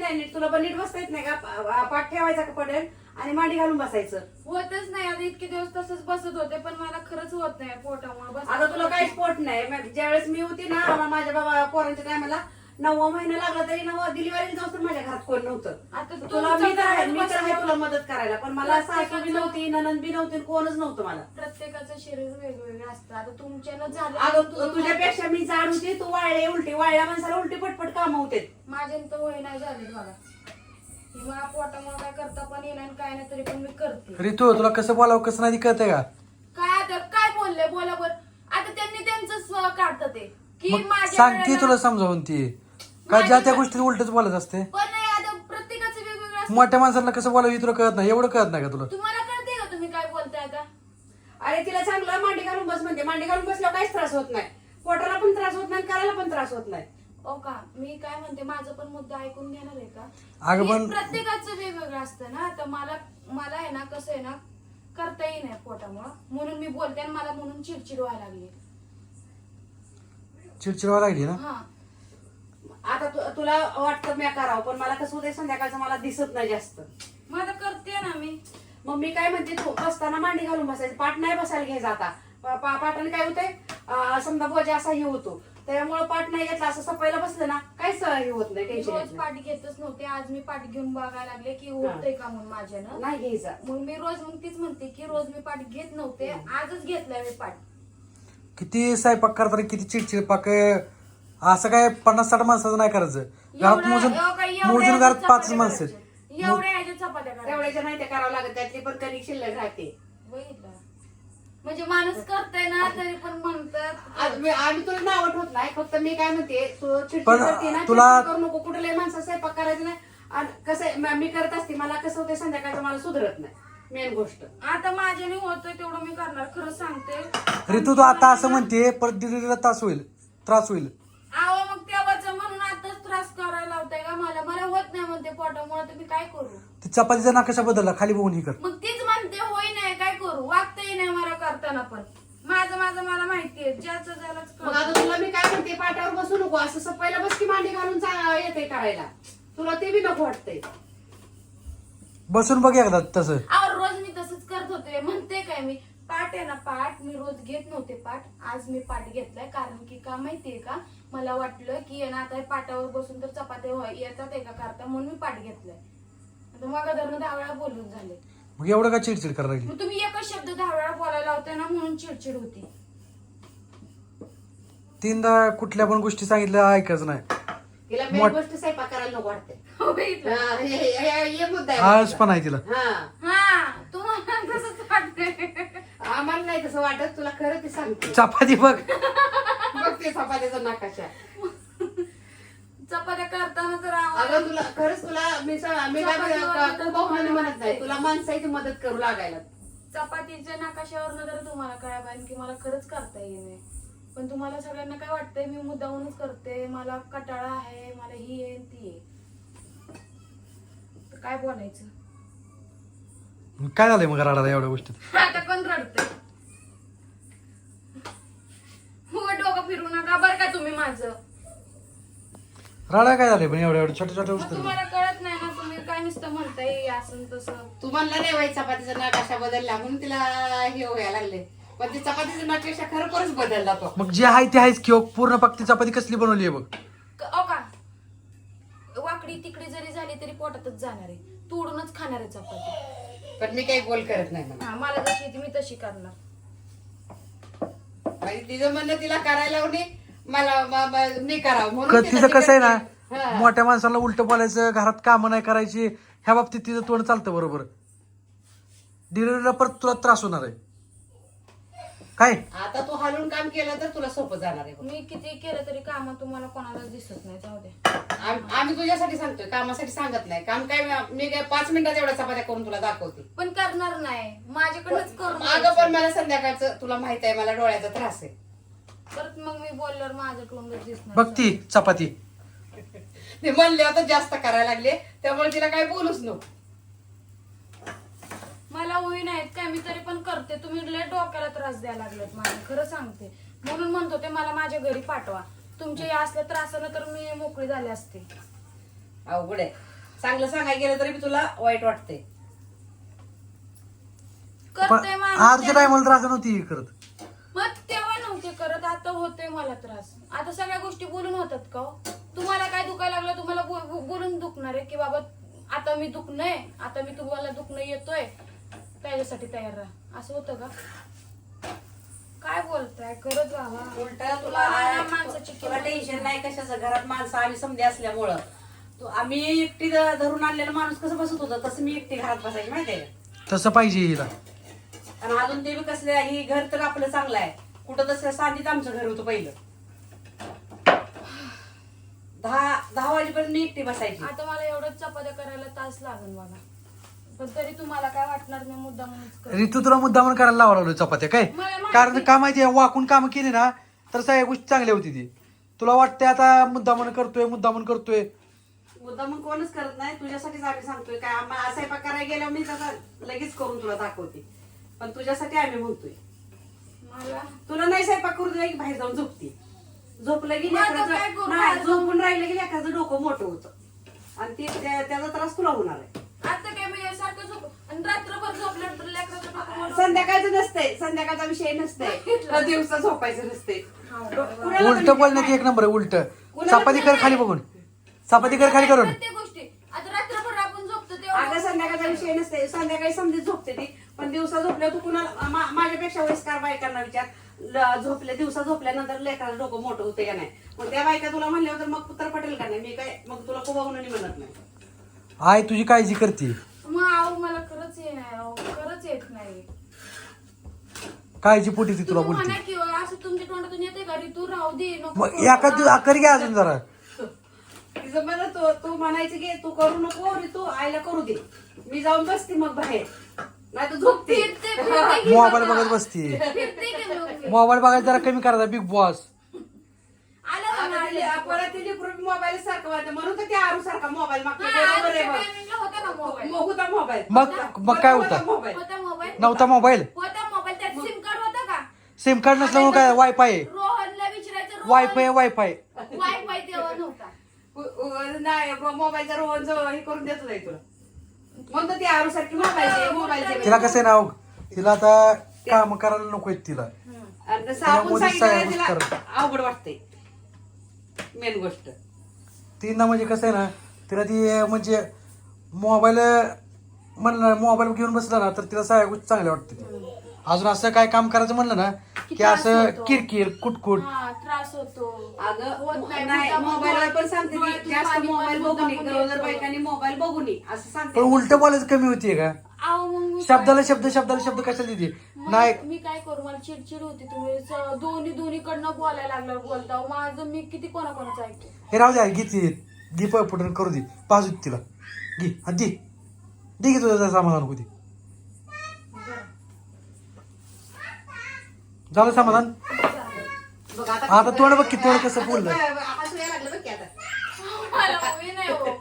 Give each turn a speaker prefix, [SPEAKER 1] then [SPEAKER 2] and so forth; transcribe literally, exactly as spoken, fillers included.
[SPEAKER 1] नाही नीट. तुला पण नीट बसता येत नाही का? पाठ ठेवायचा का पडेल आणि मांडी घालून बसायचं.
[SPEAKER 2] होतच नाही आता इतके दिवस तसंच बसत होते पण मला खरंच होत नाही पोटामुळे बस.
[SPEAKER 1] आता तुला काहीच पोट नाही. ज्यावेळेस मी होती ना मला माझ्या बाबा पोरांच्या टायमाला नववा महिना लागला तरी नववा डिलिव्हरी जाऊ तर माझ्या घरात कोण नव्हतं.
[SPEAKER 2] आता
[SPEAKER 1] तुला मी तर आहे मी तर आहे
[SPEAKER 2] बसल्यावर
[SPEAKER 1] तुला मदत करायला, पण मला सासू बी नव्हती ननंद बी नव्हती कोणच नव्हतं मला.
[SPEAKER 2] प्रत्येकाचं शरीर वेगवेगळं असतं. आता तुमच्यानं झालं
[SPEAKER 1] अगं तु- तुझ्यापेक्षा मी जाड होती, तू वाळले उलटी. वाळल्या माणसाला उलटी पटपट काम होते.
[SPEAKER 2] माझ्या तर वय नाही झाले मला. ही मला पोटामुळे काय करता पण येणार काय नाही तरी पण मी करते.
[SPEAKER 3] ऋतू तुला कसं बोलावं कसं नाही कळतंय का?
[SPEAKER 2] काय आता काय बोलले बोला बर. आता त्यांनी त्यांचं काढतं ते की
[SPEAKER 3] मग
[SPEAKER 2] माझ्या
[SPEAKER 3] सांगते
[SPEAKER 2] वेळेला-
[SPEAKER 3] तुला समजावून ती का ज्या त्या गोष्टी उलटच बोलत असते.
[SPEAKER 2] पण नाही आता प्रत्येकाचं वेगवेगळं असतं.
[SPEAKER 3] मोठ्या माणसाला कसं बोलावं हे तुला कळत नाही, एवढं कळत नाही का तुला?
[SPEAKER 2] तुम्हाला कळते का तुम्ही काय बोलताय आता?
[SPEAKER 1] अरे तिला चांगलं मांडी घालून बस म्हणजे मांडी घालून बसल्यावर काहीच त्रास होत नाही. पोटाला पण त्रास होत नाही, करायला पण त्रास होत नाही.
[SPEAKER 2] ओ का मी काय म्हणते माझं पण मुद्दा ऐकून घेणार आहे का?
[SPEAKER 3] अगं
[SPEAKER 2] की
[SPEAKER 3] पण-
[SPEAKER 2] प्रत्येकाचं वेगवेगळं असतं ना. तर मला मला आहे ना कसं आहे ना करता येई नाही पोटामुळं म्हणून मी बोलते आणि मला म्हणून चिडचिड व्हायला लागली.
[SPEAKER 3] चिडचिड व्हायला लागली ना.
[SPEAKER 2] हा
[SPEAKER 1] आता तु- तुला वाटतं मी करावं, पण मला कसं होतं संध्याकाळचं मला दिसत नाही जास्त.
[SPEAKER 2] मग आता करते ना मी.
[SPEAKER 1] मग मी काय म्हणते, तू बसताना मांडी घालून बसायचं. पाठ नाही बसायला घ्यायचा आता. पा- पा- पाठाने काय होतंय, अं, समजा बोजा असा हे होतो त्यामुळे पाठ नाही घेतला असं सपायला बसलं ना काहीच हे होत नाही,
[SPEAKER 2] मी
[SPEAKER 1] टेन्शन
[SPEAKER 2] रोज
[SPEAKER 1] येत नाही.
[SPEAKER 2] पाठ घेतच नव्हते. आज मी पाठ घेऊन बघायला लागले की होतंय का म्हणून माझ्यानं.
[SPEAKER 1] नाही घ्यायचा.
[SPEAKER 2] मग मी रोज मग तीच म्हणते की रोज मी पाठ घेत नव्हते. आजच घेतलाय मी पाठ.
[SPEAKER 3] किती स्वयंपाक करताना किती चिडचिड पाक असं काय पन्नास साठ माणसाचं नाही करायचं. घरात
[SPEAKER 2] एवढ्या-
[SPEAKER 3] मोजून
[SPEAKER 2] एवढ्या- एवढ्या
[SPEAKER 3] मोजून घरात
[SPEAKER 2] चपात्या
[SPEAKER 3] पाच माणसं आहेत.
[SPEAKER 2] करायच्या. एवढ्या ह्याच्या चपात्या करायच्या.
[SPEAKER 1] तेवढ्याच्या नाही ते करावं लागत, त्यातली पण कणिक शिल्लक राहते.
[SPEAKER 2] बघितलं म्हणजे माणूस करताय ना तरी पण म्हणतात.
[SPEAKER 1] आज मी- आम्ही तुला नाव ठेवत नाही, फक्त मी काय म्हणते तू चिडचिड
[SPEAKER 3] पण
[SPEAKER 1] करते ना,
[SPEAKER 3] तुला-
[SPEAKER 1] चिडचिड करू नको. कुठल्याही माणसं स्वयंपाक करायचं नाही. आणि कसं आहे, म- मी करत असते मला कसं होतं संध्याकाळचं मला सुधरत नाही मेन गोष्ट.
[SPEAKER 2] आता माझ्याने होतोय तेवढं मी करणार. खरंच सांगते.
[SPEAKER 3] ऋतू तू आता असं म्हणते परत डिलिव्हरीला त्रास होईल त्रास होईल.
[SPEAKER 2] आहो मग तेव्हाच म्हणून आताच त्रास करायला लावताय का मला? मला होत नाही म्हणते पोटामुळे तर मी काय करू?
[SPEAKER 3] ती चपातीचा नकाशा बदलला खाली बघून ही कर.
[SPEAKER 2] मग तीच म्हणते होई नाही काय करू? वागताही नाही मला करताना पण. माझं माझं मला माहितीये ज्याचं ज्यालाच
[SPEAKER 1] मग
[SPEAKER 2] कळतं.
[SPEAKER 1] आता तुला मी काय म्हणते, पाठावर बसू नको, असं सपायला बस की मांडी घालून चा- येते करायला. तुला ते बी नको वाटतंय.
[SPEAKER 3] बसून बघ एकदा तसं.
[SPEAKER 2] अहो रोज मी तसंच करत होते. म्हणते काय मी पाठ आहे ना पाठ मी रोज घेत नव्हते पाठ. आज मी पाठ घेतलाय कारण की का माहितीये का मला वाटलं की आहे ना आता पाठावर बसून तर चपात्या व्हाय- येतात एका करता म्हणून मी पाठ घेतलाय. आता मग धरणं दहा वेळा बोलून झाले.
[SPEAKER 3] मग एवढं का चिडचिड करायला लागली?
[SPEAKER 2] मग तुम्ही एकच शब्द दहा वेळा बोलायला होते ना म्हणून चिडचिड होती.
[SPEAKER 3] तीनदा कुठल्या पण गोष्टी सांगितल्या ऐकायचं नाही.
[SPEAKER 1] तिला मेन
[SPEAKER 3] मोठ-
[SPEAKER 1] गोष्ट स्वयंपाक करायला नको वाटते.
[SPEAKER 2] हो बघितलं?
[SPEAKER 1] हा, हे- हे- हे- हे मुद्दा आहे.
[SPEAKER 3] आळस पण आहे तिला.
[SPEAKER 1] हा,
[SPEAKER 2] हा तुम्हाला तसंच वाटतंय.
[SPEAKER 1] आम्हाला नाही तसं वाटत, तुला खरं ते सांगते.
[SPEAKER 3] चपाती बघ.
[SPEAKER 1] बघ ते चपात्याचा नकाशा.
[SPEAKER 2] चपात्या करताना तर आवाज-
[SPEAKER 1] अगं तुला खरंच तुला मी स- मी काय म्हणत- तू बहुमाने म्हणत नाही, तुला माणसाची मदत करू लागायला.
[SPEAKER 2] चपातीच्या नकाशावरनं तर तुम्हाला काय पाहिजे की मला खरंच करता येईल. पण तुम्हाला सगळ्यांना काय वाटतंय मी मुद्दाहूनच करते, मला कटाळा आहे, मला ही आहे ती आहे. तर काय बोलायचं?
[SPEAKER 3] मग काय झालंय मग राडाला एवढ्या गोष्टीत?
[SPEAKER 2] आता पण रडते. हो डोकं फिरू नका बरं का तुम्ही माझं.
[SPEAKER 3] राडा काय झालंय पण एवढ्या एवढ्या छोट्या छोट्या
[SPEAKER 2] मग
[SPEAKER 3] गोष्टी?
[SPEAKER 2] तुम्हाला कळत नाही ना. तुम्ही काय नुसतं म्हणताय असं तसं.
[SPEAKER 1] तू म्हणला नाही बाई चपातीचा नकाशा बदलला म्हणून तिला हे व्हायला लागले, पण ते चपातीचा नकाशा खरोखरच बदलला तो.
[SPEAKER 3] मग जे आहे ते आहेच की पूर्ण पक्की चपाती कसली बनवली आहे बघ.
[SPEAKER 2] क- अहो का वाकडी तिकडी जरी झाली तरी पोटातच जाणार आहे. तोडूनच खाणार आहे चपाती.
[SPEAKER 1] पण मी काही गोल करत नाही म्हणा.
[SPEAKER 2] हा मला जशी येते मी तशी करणार.
[SPEAKER 1] आणि तिचं म्हणणं तिला करायला लावणे, मला म- म- मी करावं म्हणून
[SPEAKER 3] क-
[SPEAKER 1] तिला
[SPEAKER 3] तिचं कसं आहे
[SPEAKER 1] तिकडे-
[SPEAKER 3] ना
[SPEAKER 1] हा.
[SPEAKER 3] मोठ्या माणसाला उलट बोलायचं घरात कामं नाही करायची ह्या बाबतीत तिचं तोंड चालतं बरोबर. डिलिव्हरीला परत तुला त्रास होणार आहे काय?
[SPEAKER 1] आता तू हालून काम केलं तर तुला सोपं जाणार आहे बघ.
[SPEAKER 2] मी किती केलं तरी काम तुम्हाला कोणाला दिसत नाही. जाऊ दे.
[SPEAKER 1] आम- आम्ही तुझ्यासाठी सांगतोय, कामासाठी सांगत नाही. काम काय मी काय पाच मिनिटात एवढ्या चपात्या करून तुला दाखवते.
[SPEAKER 2] पण करणार नाही माझ्याकडनंच करून
[SPEAKER 1] अगं पण
[SPEAKER 2] घ्यायचं.
[SPEAKER 1] मला संध्याकाळचं तुला माहित आहे मला डोळ्याचा त्रास आहे.
[SPEAKER 2] परत मग मी बोलल्यावर माझं तोंडच दिसणार.
[SPEAKER 3] बघ ती चपाती.
[SPEAKER 1] ते म्हणले आता जास्त करायला लागले त्यामुळे तिला काय बोलूच नको.
[SPEAKER 2] मला होई नाहीत काय मी तरी पण करते. तुम्ही लय डोक्याला त्रास द्यायला लागलेत माझ्या. खरं सांगते म्हणून म्हणतो ते मला माझ्या घरी पाठवा. तुमच्या या असल्या त्रासानं तर मी मोकळी झाले असते.
[SPEAKER 1] अवघड आहे. चांगलं सांगायला गेलं तरी बी तुला वाईट वाटते.
[SPEAKER 3] पण
[SPEAKER 2] करते
[SPEAKER 3] आजच्या टायमाला त्रास नव्हती करत.
[SPEAKER 2] मग तेव्हा नव्हते करत, आता होते मला त्रास. आता सगळ्या गोष्टी बोलून होतात का हो? तुम्हाला काय दुखायला लागलं तुम्हाला बो- बो- बोलून दुखणार आहे की बाबा आता मी दुखणंय, आता मी तुम्हाला दुखणं येतोय त्याच्यासाठी तयार राहा, असं होतं का? काय बोलताय? करत राहा.
[SPEAKER 1] उलट तुला
[SPEAKER 2] तुम्हाला ना माणसाची
[SPEAKER 1] तुला
[SPEAKER 2] किंमत
[SPEAKER 1] टेन्शन नाही कशाचं. घरात माणसं आम्ही समजे असल्यामुळं तू आम्ही एकटी ध- धरून आणलेलं माणूस कसं बसत होतं तसं मी एकटी घरात बसायची माहितीये का.
[SPEAKER 3] तसं पाहिजे हिला.
[SPEAKER 1] आणि अजून ते बी कसले ही घर तर आपलं चांगलं आहे. कुठं तसं सांगीत आमचं घर होतं पहिलं. दहा दहा वाजेपर्यंत मी एकटी बसायची.
[SPEAKER 2] आता मला एवढं चपात्या करायला तास लागेल मला, पण तरी तुम्हाला काय वाटणार नाही, मुद्दा म्हणूनच कर.
[SPEAKER 3] ऋतू तुला मुद्दामून करायला लावा लागलो चपात्या काय.
[SPEAKER 2] मला माहिती-
[SPEAKER 3] कारण का माहितीये वाकून काम केली ना तर सगळ्या गोष्टी चांगल्या होती ती. तुला वाटते आता मुद्दामून करतोय मुद्दामून करतोय.
[SPEAKER 1] मुद्दा मग कोणच करत नाही. तुझ्यासाठीच आम्ही सांगतोय. काय आम्हाला स्वयंपाक करायला गेल्यावर मी त्याचा लगेच करून तुला दाखवते. पण तुझ्यासाठी आम्ही म्हणतोय.
[SPEAKER 2] मला
[SPEAKER 1] तुला नाही स्वयंपाक करू दिला की बाहेर जाऊन झोपते. झोपलं की
[SPEAKER 2] मग आता
[SPEAKER 1] लेकराचं-
[SPEAKER 2] काय करू?
[SPEAKER 1] नाही
[SPEAKER 2] बाहेर जाऊन-
[SPEAKER 1] झोपून राहिलं की लेकराचं डोकं मोठं होतं आणि ते त्या- त्याचा त्रास तुला होणार आहे.
[SPEAKER 2] आता काय मी सारखं झोप आणि रात्रभर झोपल्यानंतर लेकराचं डोकं मोठं-
[SPEAKER 1] संध्याकाळचं नसतंय. संध्याकाळचा विषय नसतंय. दिवसा झोपायचं नसते.
[SPEAKER 3] उलट बोलण्यात एक नंबर आहे. उलट चपाती कर खाली बघून, चपाती कर खाली करून.
[SPEAKER 2] प्रत्येक गोष्टी आता रात्रभर आपण झोपतो तेव्हा
[SPEAKER 1] अगं संध्याकाळचा विषय नसते. संध्याकाळी समजी झोपते ती. पण दिवसा झोपल्या तू कुणाला मा- माझ्यापेक्षा वयस्कार बायकांना विचार. ल- झोपल्या दिवसा झोपल्यानंतर लेकराचं डोकं मोठं होते का नाही. मग त्या बायका तुला म्हणल्यावर तर मग पुत्र पटेल का नाही. मी काय मग तुला खूप म्हणून म्हणत नाही.
[SPEAKER 3] आई तुझी काळजी करते.
[SPEAKER 2] मग आहो मला खरंच ये नाही अहो, खरंच येत नाही.
[SPEAKER 3] काळजी पोटी ती तुला
[SPEAKER 2] तुम्ही
[SPEAKER 3] बोलते.
[SPEAKER 2] म्हणा की असं तुमच्या तोंडातून येते का रे तू राहू दे नको
[SPEAKER 3] मग
[SPEAKER 2] करू.
[SPEAKER 3] एका दिवस कर घ्या अजून जरा.
[SPEAKER 1] तिचं म्हणत तू तू म्हणायचं की तू करू नको रे तू आईला करू दे. मी जाऊन बसते मग बाहेर नाही तर झोपते.
[SPEAKER 2] फिरते फिरते की
[SPEAKER 3] मोबाईल
[SPEAKER 2] बाबा.
[SPEAKER 3] बघत बसते.
[SPEAKER 2] फिरते की मग मी.
[SPEAKER 3] मोबाईल बघायला जरा कमी करायचा. बिग बॉस
[SPEAKER 2] आलं का
[SPEAKER 1] आता
[SPEAKER 2] नाही?
[SPEAKER 1] तिला- परत तिने मोबाईल सारखं वाटतं म्हणून तर त्या आरू सारखा मोबाईल मागतो.
[SPEAKER 2] हा,
[SPEAKER 1] बरोबर आहे
[SPEAKER 2] आजच्या
[SPEAKER 1] बघ.
[SPEAKER 2] timing ला होता ना मोबाईल.
[SPEAKER 1] मग होता मोबाईल.
[SPEAKER 3] मग मग काय होता.
[SPEAKER 1] मोबाईल
[SPEAKER 2] होता मोबाईल
[SPEAKER 3] नव्हता मोबाईल.
[SPEAKER 2] होता मोबाईल त्यात सिम कार्ड होता का?
[SPEAKER 3] सिम कार्ड नसल्यामुळे काय वायफाय आहे.
[SPEAKER 2] रोहनला विचारायचं रोहन-
[SPEAKER 3] वायफाय वायफाय
[SPEAKER 2] वायफाय तेव्हा नव्हता.
[SPEAKER 1] उ- उ- नाही मोबाईलचा रोहन जवळ हे करून देतो नाही तुला. म्हणतो ती आरू सारखी मोबाईल मोबाईल
[SPEAKER 3] तिला कसं आहे ना अहो, तिला आता काम करायला नको आहेत तिला.
[SPEAKER 1] आपण
[SPEAKER 3] त्यामुळे सगळ्या
[SPEAKER 1] सांगितलं तिला
[SPEAKER 3] गोष्टी
[SPEAKER 1] अवघड वाटते. मेन गोष्ट
[SPEAKER 3] ती ना म्हणजे कसं आहे ना तिला ती म्हणजे मोबाईल म्हणलं मोबाईल घेऊन बसला ना तर तिला सगळ्या गोष्टी चांगल्या वाटते. अजून असं काय काम करायचं म्हणलं ना की असं किरकिर कुटकुट.
[SPEAKER 2] हा त्रास होतो.
[SPEAKER 1] अगं
[SPEAKER 2] होत नाही.
[SPEAKER 1] नाही
[SPEAKER 2] मुद्दाम
[SPEAKER 1] मोबाईलवर पण सांगते
[SPEAKER 2] डोळ्यातून
[SPEAKER 1] ती जास्त
[SPEAKER 2] पाणी
[SPEAKER 1] मोबाईल
[SPEAKER 2] पण
[SPEAKER 1] बघू नये.
[SPEAKER 2] मुद्दामून
[SPEAKER 1] गरोदर
[SPEAKER 2] येतं.
[SPEAKER 1] बायकांनी मोबाईल बघू नये असं
[SPEAKER 3] पण
[SPEAKER 1] सांगते.
[SPEAKER 3] उलट बोलायचं कमी होतीये का.
[SPEAKER 2] अहो, मग मी
[SPEAKER 3] शब्दाला शब्द शब्दाला शब्द कशाला देते
[SPEAKER 2] मग
[SPEAKER 3] नाही.
[SPEAKER 2] मी काय करू मला चिडचिड होती. तुम्ही स- दोन्ही दोन्हीकडनं बोलायला लागल्यावर बोलता माझं मी किती कोणाकोणाचं ऐकते.
[SPEAKER 3] हे राहू द्या घे ती घे पटकन करू दे बाजू तिला घे हा दे दे घे तुझं समाधान होऊ दे. झालं समाधान.
[SPEAKER 1] बघ
[SPEAKER 3] आता तोंड बघ की तोंड कसं बोललं.
[SPEAKER 1] हसू यायला लागलं बघ की आता.
[SPEAKER 2] मला मी नाही हो.